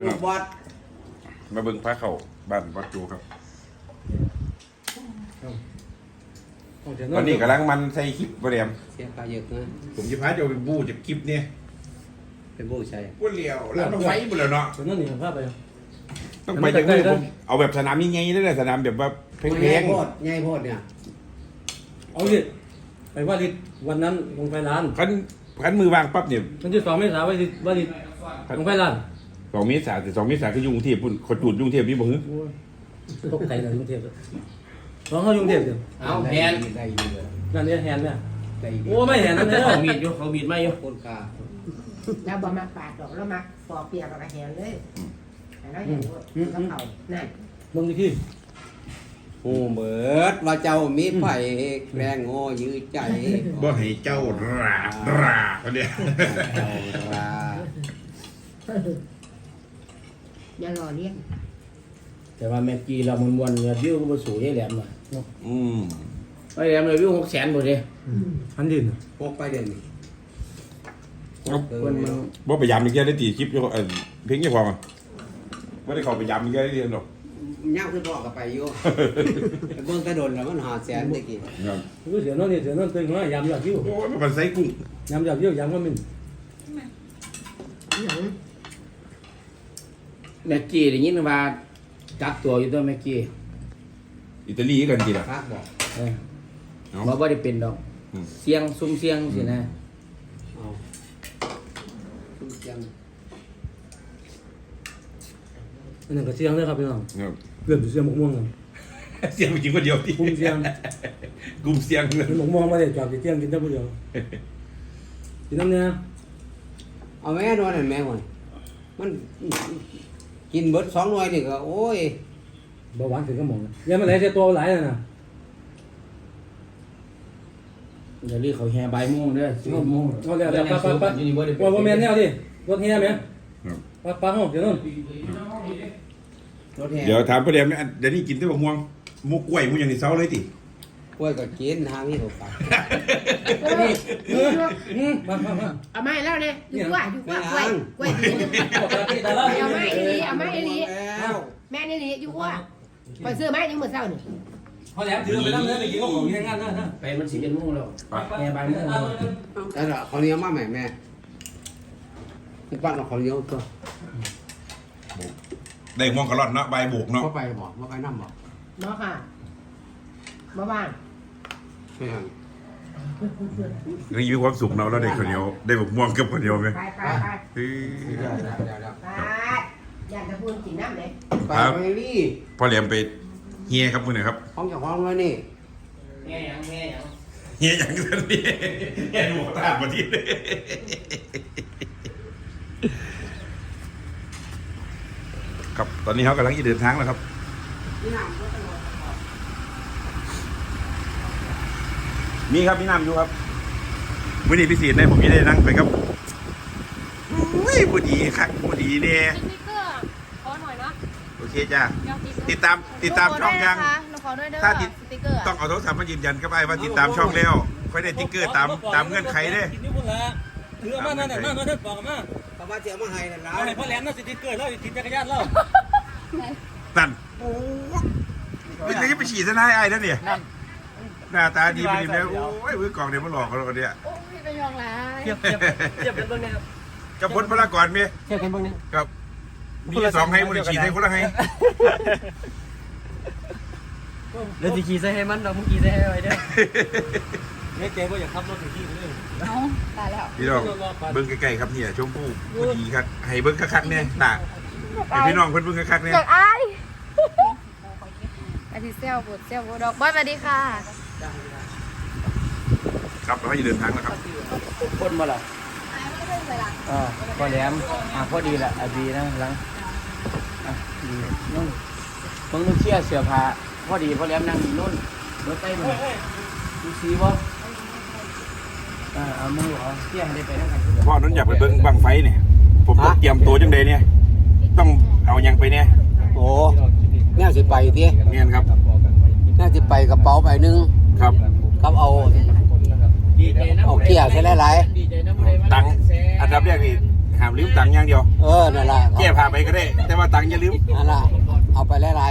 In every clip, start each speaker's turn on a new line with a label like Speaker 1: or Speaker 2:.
Speaker 1: บอด
Speaker 2: มาเบิ่งพระเขาบ้านวัดจูครับวันนี้กำลังมันใส่คลิปบริเวณ
Speaker 1: เสียปลาเยอะนะ
Speaker 2: ผมจะพาจะไปบูจากคลิปเนี่ย
Speaker 1: เป็นบูใช่
Speaker 2: พูดเลี้ยวแล้วต้องไฟหมดแล้วเนาะ
Speaker 3: นั่นนี่ภาพไป
Speaker 2: ต้องไปจากนี้ผมเอาแบบสนามยังไงได้เลยสนามแบบว่าเพลง
Speaker 1: ง่ายโพดเนี่ย
Speaker 3: เอาดิไปว่าดิวันนั้นลงไฟร้าน
Speaker 2: ขันมือวางปั๊บเนี่ย
Speaker 3: วันที่2 เมษายนว่าดิลงไฟร้าน
Speaker 2: 2 เมษายนแต่2 เมษายนคือยุ่งเทียบพุ่นขดจุดยุ่งเทียบนี่บ่ฮึ
Speaker 3: ตกใจเลยยุ่งเทียบร้องเขายุ่งเทียบเดียว
Speaker 1: เอาแฮนได้ดีเลย
Speaker 3: นั่นเนี่ยแฮนเนี่ยโอ้ไม่แฮนนั่นเนี่ย
Speaker 1: เขามีดอยู่เขามีดไม่อยู่คนกา
Speaker 4: แล้วบ่มาปาดดอกแล้วมาปอกเปียกกับแหงเลยแล้วอย่างนี้ก็เขานั่น
Speaker 3: ลงที่
Speaker 1: โอ้เบิดว่าเจ้ามีไผ่แรงโง่ยื้อใจ
Speaker 2: บ่ให้เจ้าราคนเดียว
Speaker 4: อย่ารอเลี้ยง
Speaker 3: แต่ว่าแม็กกี้เรามันวนวิวก็มาสู่ยายแหลมเลยไอ้แหลมเลยวิว600,000หมดเลยพันดิน
Speaker 1: พกไปเด่น
Speaker 2: บ่ไปยามอีกแค่ได้ตีคลิปเพลงยี่พอมั้งไม่ได้เข้าไปยามอีกแค่ได้เรียนหรอก
Speaker 1: ย่างขึ้นพ่อกับไปอยู่เบื้องกระโดดแล้วมัน500,000ตะกี้
Speaker 3: เดี๋ยวนั่นนี่เดี๋ยวนั่นตึงว่ายำยอดวิว
Speaker 2: โอ้ยมันใส่กุ้ง
Speaker 3: ยำยอดวิวยำก็มินแม็กกี้ได้ยินว่าจับตัวอยู่ตัวแม็กกี้
Speaker 2: อิตาลีกันกี่ล่ะ
Speaker 3: บอกว่าได้เป็นดอกเสียงซุ่มเสียงสินะ
Speaker 1: ซุ่มเสียง
Speaker 3: อันนั้นก็เสียงเลยครับพี่น้องเกือบเสียงหมกม่วง
Speaker 2: เสียงจริงคนเดียวที่
Speaker 3: กลุ่มเสียง
Speaker 2: กลุ่มเสียง
Speaker 3: หมกม่วงมาเลยจอดเสียงกินได้คนเดียวกินน้ำเนี่ย
Speaker 1: เอาแม่นอนนั่นแม่ห่วยมันกินเบิด2 หน่วยนี่ก็โอ้ย
Speaker 3: เบาหวานถึงก็หมดยังไม่ไหลเสียตัวไหลเลยนะเดี๋ยวรีเขาแห่ใบม่วงด้วย10 โมงเขาเรียกปั๊บว่าแม่นแนวดิรถแห่ไหมปั๊บห้องเดี๋ยวนู่น
Speaker 2: เดี๋ยวถามประเดี๋ยวเดี๋ยวนี้กินได้บ่ม่วงมุกกล้วยมุกอย่างนี้เซาเลยติ
Speaker 1: กล้วยก็กินทางนี้ถูกปาก
Speaker 4: เอาไม้แล้วเนี่ยอยู่กล้วยกล้วยเอาไม้ลีแม่นี่ลีอยู่กล้วยไปซื้อไม้ยังมือเศร้านี่
Speaker 3: พอแล้วถือไปนั่งเนื้อไปกินข้าวของที่งานนะไปมัน11 โมงแล้วแม่ใบม่วง
Speaker 1: แต่ละเขาเลี้ยงมาแม่บ้านเราเขาเลี้ยงตัว
Speaker 2: ได้ม่วงกระรอนเนาะใบโบกเนาะ
Speaker 1: ว่าไปบอกว่าไปน้ำบอก
Speaker 4: เนาะค่ะมาบ้าน
Speaker 2: นี่มีความสุขเนาะแล้วได้คนเดียวได้แบบม่วงกับคนเดียวไหม
Speaker 4: ไปอยากจะพูดกินน้ำเลย
Speaker 1: ไปนี่
Speaker 2: พอเหลี่ยมไปเฮียครับคุณหน่อยครับ
Speaker 1: ห้องจากห้องเลยนี่
Speaker 2: เฮียอย่างนี้เฮียหมูตาบดีเลยครับตอนนี้เขากำลังจะเดินทางแล้วครับมีครับมีน้ำอยู่ครับวันนี้พิเศษได้ผมจะได้นั่งไปครับอุ้ยพอดีครับพอดีเนี่ย
Speaker 5: ขอหน่อยนะ
Speaker 2: โอเคจ้าติดตามช่องยังถ้าต้องเอาโทรศัพท์มายืนยันก็ไปว่าติดตามช่องแล้วค่อยได้ติ๊กเกอร์ตามเงื่อนไขเลย
Speaker 3: ถือมานั่นบอกมา
Speaker 1: ประมาณเจ้ามาให้นั่นแล้ว
Speaker 3: ให้พ่อแหลมน่าสิติ๊กเกอร์แล้วติดจักรยานแล้ว
Speaker 2: นั่นโอ้ไม่ได้ไปฉีดซะนายไอ้นั่นเนี่ยหน้าตาดีไปดีแล้วโอ้ยมือกล่องเดี๋ยวมันหลอกเราเนี่ย
Speaker 5: โอ้ยไปยองละ
Speaker 3: เทียบเป็นเบื้องนี้ครับ
Speaker 2: กับพลพลากรเมีย
Speaker 3: เทียบเป็นเบื้องนี้
Speaker 2: ครับมี2ให้มันฉีดให้คนละให้
Speaker 3: แล้วจะขี่ใส่ให้มันเรามึงขี่ใส่ให้ไว้เด้อเนี่ยเจ๊ก็อยากขับรถถึงที่เลย
Speaker 5: เอาตายแล้ว
Speaker 2: พี่น้องเบิ้งใกล้ๆครับเนี่ยชมพู่พอดีครับให้เบิ้งคักๆเนี่ยหนักให้พี่น้องเพิ่นเบิ้งคักๆเนี่ย
Speaker 5: อยากอายอาทิตย์เซลบุตรเซลบุตรดอกบอยสวัสดีค่ะ
Speaker 2: ครับเราจะเดินทางแล้วครับ
Speaker 3: คนมาหรอพอแหลมพอดีแหละดีนะหลังดีนุ่นมึงเชี่ยเสือผ้าพอดีพอแหลมนั่งนุ่นรถใต้มึงดูซีบ่เอามือเหรอเชี่ยให้ได้ไปนั่งกัน
Speaker 2: พ่อนั้นอยากไปเบิ้งบังไฟเนี่ยผมต้องเตรียมตัวจังใดเนี่ยต้องเอายังไปเนี่ย
Speaker 1: โอ้แน่สิไปที
Speaker 2: เนี่ยครับ
Speaker 1: แน่สิไปกระเป๋าใบนึง
Speaker 2: ครับ
Speaker 1: เอาเกี่ยวใช่หลาย
Speaker 2: ตังอันดับแรกนี่หห้ามลืมตังค์อย่างเดียว
Speaker 1: นั่นล่ะ
Speaker 2: แก้ผ้าไปก็ได้ แต่ว่าตังค์อย่าลืม
Speaker 1: นั่นล่ะเอาไปหลาย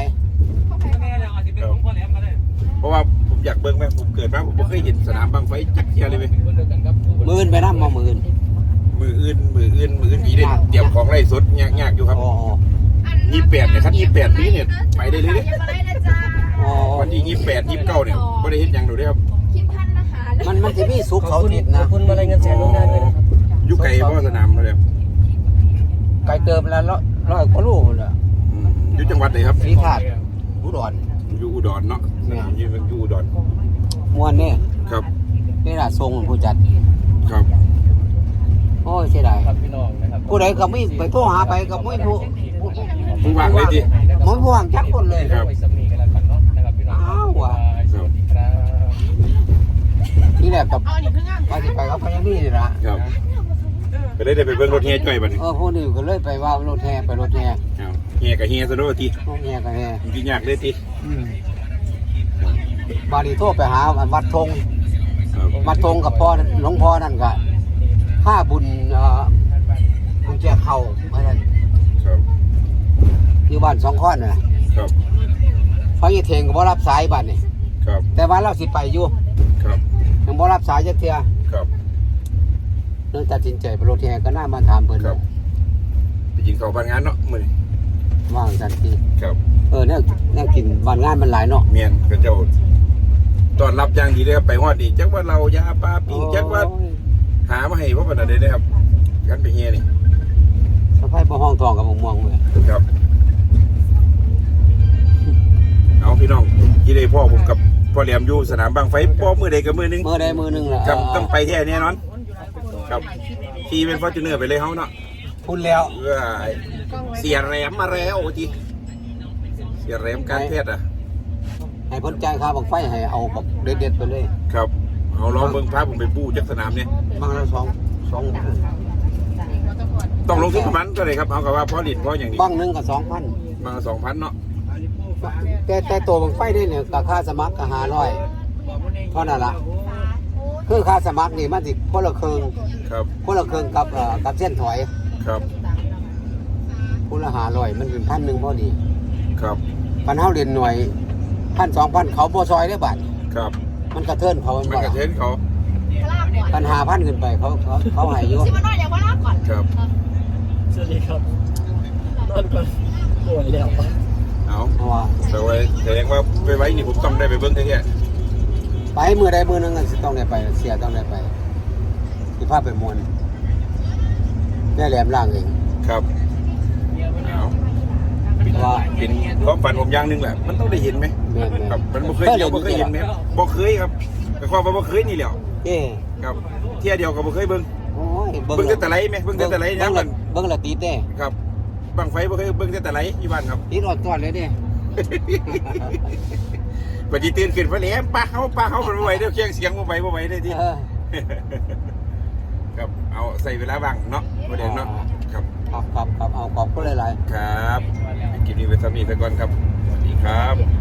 Speaker 2: เพราะว่าผมอยากเบิ่งแม่ผมเกิดมาผมไม่เคยเห็นสนามบังไฟจักเที่ยเลยเว้ย
Speaker 1: ๆมื้ออื่นไปนำบ่มื้ออื่น
Speaker 2: มืออื่นผีเด่นเตรียมของไล่สดยากอยู่ครับ
Speaker 1: อ๋อ
Speaker 2: 28เนี่ยครับ28ปีเนี่ยไปได้เลยเด้
Speaker 1: อ๋อ
Speaker 2: วันที่28 29เนี่ยบ่ได้เฮ็ดหยังดูเด้ครับ
Speaker 5: คิดพันนะคะ
Speaker 1: มันสิมีสุขเขาทิศนะ
Speaker 3: คุณมาอะไรเงินแสนลงได้ด้วยนะครับ
Speaker 2: อยู่ไกลบ่สนามเขาเลย
Speaker 1: ไกลเติมแล้วร้อยกว่าโลพุ่นน่ะ
Speaker 2: อยู่จังหวัดไหนครับ
Speaker 1: สีขาดอุดร
Speaker 2: อยู่อุดรเนาะสนามอยู่อุดร
Speaker 1: ม่วนนี่
Speaker 2: ครับ
Speaker 1: นี่ล่ะทรงผู้จัด
Speaker 2: ครับ
Speaker 1: โอ้ยเสียดาย
Speaker 3: ครับพี่น้องนะครับ
Speaker 1: ผู้ใดก็ไม่ไปโทรหาไปก็ไม่ผู้
Speaker 2: ผู้ว่างเลยดิ
Speaker 1: มันผู้ว่างจักคนเลย
Speaker 2: ครับ
Speaker 3: ไว้สมีกันแล้วกันเนาะนะครับพี่น้อง
Speaker 1: อ้าวว่ะ
Speaker 3: สวัสดีครับ
Speaker 1: นี่แหละกับไปสิไปเขาไปยังนี่นี่ล่ะ
Speaker 2: ครับก็ได้ไปเบิ่งรถแห่จ้อยบัดนี้
Speaker 1: พวกนี้ก็เลยไปว่ารถแห่ไปรถแห่
Speaker 2: ครับแห่กับแห่ซะเด้อที
Speaker 1: รถแห่กันแห่
Speaker 2: กินยากเลยที
Speaker 1: บาดีโทรไปหาวัดธง
Speaker 2: ครับ
Speaker 1: วัดธงกับพ่อหลวงพ่อนั่นก็ค่าบุญบุญแจกเข่าอะไรนั่น
Speaker 2: ครับ
Speaker 1: อยู่บ้านสองข้อนน่ะ
Speaker 2: ครับ
Speaker 1: เพราะยี่เทงก็บ่รับสายบ้านนี่
Speaker 2: ครับ
Speaker 1: แต่ว่าเราสิไปอยู่
Speaker 2: ครับ
Speaker 1: ยังบ่รับสายจักเทื่อ
Speaker 2: ครับ
Speaker 1: เรื่องตัดสินใจไปรถแห่ก็น่ามาถามเพิ่น
Speaker 2: ครับไปกินข้าวบ้านงานเนาะมื้อนี้
Speaker 1: ว่างทันที
Speaker 2: ครับ
Speaker 1: แนวกินบ้านงานมันหลายเนาะ
Speaker 2: เมียนกระเจ้าต้อนรับอย่างดีเลยครับไปฮอดนี่จักว่าเรายาปลาปิ้งจักว่าหามาให้พ่อปานใดเด้อครับกันไปเฮียนี่
Speaker 1: สะพายบ่ห้องทองกับม่วงๆเว้ย
Speaker 2: ครับเอาพี่น้องที่ได้พ่อผมกับพ่อแหลมอยู่สนามบางไฟป้อมื้อใดก็มื้อหนึง
Speaker 1: มื้อใดมื้อหนึงล่ะ
Speaker 2: ครับต้องไปแท้แน่นอน ครับขี่เป็นฟอร์จูเนอร์ไปเลยเฮาเนาะ
Speaker 1: พูดแล้ว
Speaker 2: เสียแหลมมาแล้วจีเสียแหลมการแพทย์อ่ะ
Speaker 1: ให้เพ้นจ่ายค่าบังไฟให้เอาแบบเด็ดๆไปเลย
Speaker 2: ครับเอาลองเบิ่งพาผมไปปูจักสนามเนี่ย
Speaker 1: บางละสอง
Speaker 2: ต้องลงทุนประมาณเท่าไหร่ครับเอากับว่าพอลินพออย่างนี้
Speaker 1: บางหนึงก็2,000
Speaker 2: มา2,000เนาะ
Speaker 1: แต่ตัวบังไฟได้เนี่ยก็ค่าสมัครก็500เท่านั้นล่ะคือค่าสมัครนี่มันสิคนละครึ่ง
Speaker 2: ครับ
Speaker 1: คนละครึ่งกับเส้นถอย
Speaker 2: ครับ
Speaker 1: คนละ500มันเป็น1,000พอดี
Speaker 2: ครับ
Speaker 1: คันเฮาเรียนหน่วย1,000 2,000เขาบ่ซอยได้บัด
Speaker 2: ครับ
Speaker 1: มันกระเทินเขา
Speaker 2: มันกระเทนเขา
Speaker 1: คัน5,000ขึ้นไปเขาให้อยู่
Speaker 5: ชิมมันหน่อยเดี๋ยวว่าลาก่อน
Speaker 2: ครับ
Speaker 3: สวัสดีครับนอนก่อนป่วยแล้ว
Speaker 2: เอา
Speaker 1: เพราะว่า
Speaker 2: แต่ว่าแสดงว่าไปไว้นี่ผมต้องได้ไปเบิ่งแท้
Speaker 1: ไปมือใดมือหนึงก็สิต้องได้ไปเสียต้องได้ไปสิพาไปมวนแม่แหลมล่างเอง
Speaker 2: ๆครับเอา
Speaker 1: ว่า
Speaker 2: เป็นความฝันผมอย่างหนึงแหละมันต้องได้เห็นไหม
Speaker 1: แม่น
Speaker 2: ครับมันบ่เคยเดียวบ่เคยเห็นไหมบ่เคยครับแต่ความว่าบ่เคยนี่แหละ
Speaker 1: เอ้
Speaker 2: ครับเที่ยเดียวก็บ่เคยเบิ่ง
Speaker 1: โอ้ย
Speaker 2: เบิ่งแต่ไหลไหมเบิ่งแต่ไหลนะมัน
Speaker 1: เบิ่งละตีเต้
Speaker 2: ครับบังไฟบ่เคยเบิ่งแต่ไหลอยู่บ้านครับ
Speaker 1: ตีรอดก่อนเลยเด้
Speaker 2: ปฏิตื่นขึ้นมาแล้วป้าเขาบ่ไหวเดี๋ยวเคียงเสียงบ่ไหวได้ที
Speaker 1: เออ
Speaker 2: ครับเอาใส่เวลาบ้างเนาะบ่ได้เนาะครับ
Speaker 1: ครับเอาขอบคุณหลายๆ
Speaker 2: ครับคลิปนี้ไว้ซ้ำนี้ซะก่อนครับสวัสดีครับ